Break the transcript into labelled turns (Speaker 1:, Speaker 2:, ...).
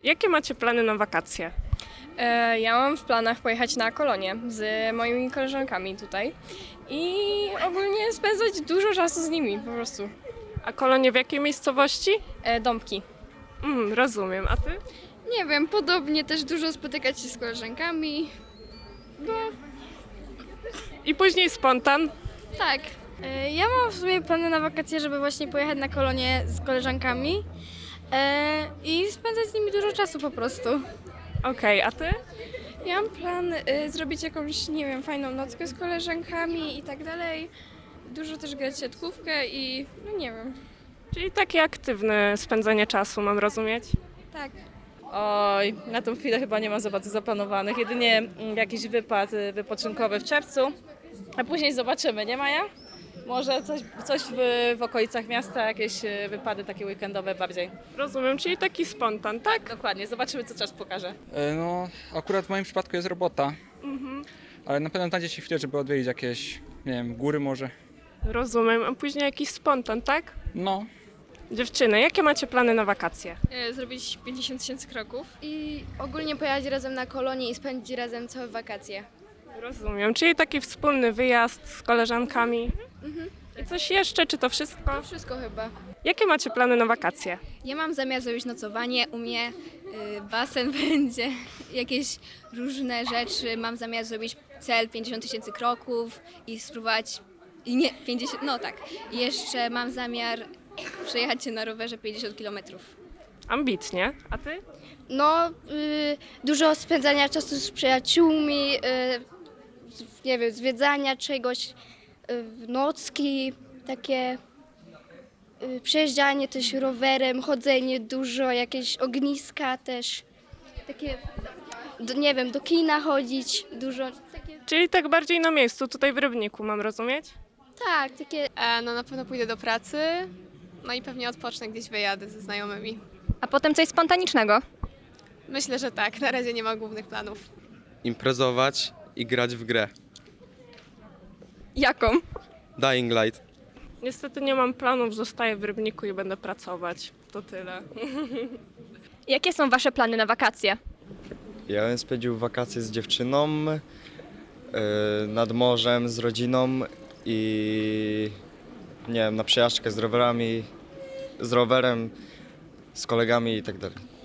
Speaker 1: Jakie macie plany na wakacje?
Speaker 2: Ja mam w planach pojechać na kolonie z moimi koleżankami tutaj i ogólnie spędzać dużo czasu z nimi po prostu.
Speaker 1: A kolonie w jakiej miejscowości?
Speaker 2: Dąbki.
Speaker 1: Rozumiem. A ty?
Speaker 3: Nie wiem, podobnie też dużo spotykać się z koleżankami.
Speaker 1: I później spontan?
Speaker 3: Tak. Ja mam w sumie plany na wakacje, żeby właśnie pojechać na kolonie z koleżankami i spędzać z nimi dużo czasu po prostu.
Speaker 1: Okej, a ty?
Speaker 4: Ja mam plan zrobić jakąś, nie wiem, fajną nockę z koleżankami i tak dalej. Dużo też grać siatkówkę i no nie wiem.
Speaker 1: Czyli takie aktywne spędzanie czasu, mam rozumieć?
Speaker 4: Tak.
Speaker 5: Oj, na tą chwilę chyba nie mam za bardzo zaplanowanych. Jedynie jakiś wypad wypoczynkowy w czerwcu, a później zobaczymy, nie Maja? Może coś w okolicach miasta, jakieś wypady takie weekendowe bardziej.
Speaker 1: Rozumiem, czyli taki spontan, tak?
Speaker 5: Dokładnie, zobaczymy co czas pokaże.
Speaker 6: No, akurat w moim przypadku jest robota, ale na pewno znajdzie się chwilę, żeby odwiedzić jakieś, nie wiem, góry może.
Speaker 1: Rozumiem, a później jakiś spontan, tak?
Speaker 6: No,
Speaker 1: Dziewczyny, jakie macie plany na wakacje?
Speaker 4: Zrobić 50 000 kroków.
Speaker 3: I ogólnie pojechać razem na kolonie i spędzić razem całe wakacje.
Speaker 1: Rozumiem, czyli taki wspólny wyjazd z koleżankami. I coś jeszcze, czy to wszystko?
Speaker 3: To wszystko chyba.
Speaker 1: Jakie macie plany na wakacje?
Speaker 3: Ja mam zamiar zrobić nocowanie, u mnie basen będzie, jakieś różne rzeczy. Mam zamiar zrobić cel 50 000 kroków i spróbować, i nie, 50, no tak. I jeszcze mam zamiar przejechać się na rowerze 50 kilometrów.
Speaker 1: Ambitnie. A ty?
Speaker 7: No, dużo spędzania czasu z przyjaciółmi, nie wiem, zwiedzania czegoś, nocki, takie przejeżdżanie też rowerem, chodzenie dużo, jakieś ogniska też, takie, nie wiem, do kina chodzić, dużo, takie,
Speaker 1: Czyli tak bardziej na miejscu, tutaj w Rybniku, mam rozumieć?
Speaker 7: tak, takie.
Speaker 4: No na pewno pójdę do pracy, no i pewnie odpocznę gdzieś wyjadę ze znajomymi.
Speaker 2: A potem coś spontanicznego.
Speaker 4: Myślę, że tak, na razie nie ma głównych planów.
Speaker 8: Imprezować i grać w grę.
Speaker 2: Jaką?
Speaker 8: Dying Light.
Speaker 1: Niestety nie mam planów, zostaję w Rybniku i będę pracować. To tyle.
Speaker 2: Jakie są wasze plany na wakacje?
Speaker 9: Ja bym spędził wakacje z dziewczyną, nad morzem, z rodziną i nie wiem, na przejażdżkę z rowerami, z rowerem, z kolegami i tak dalej.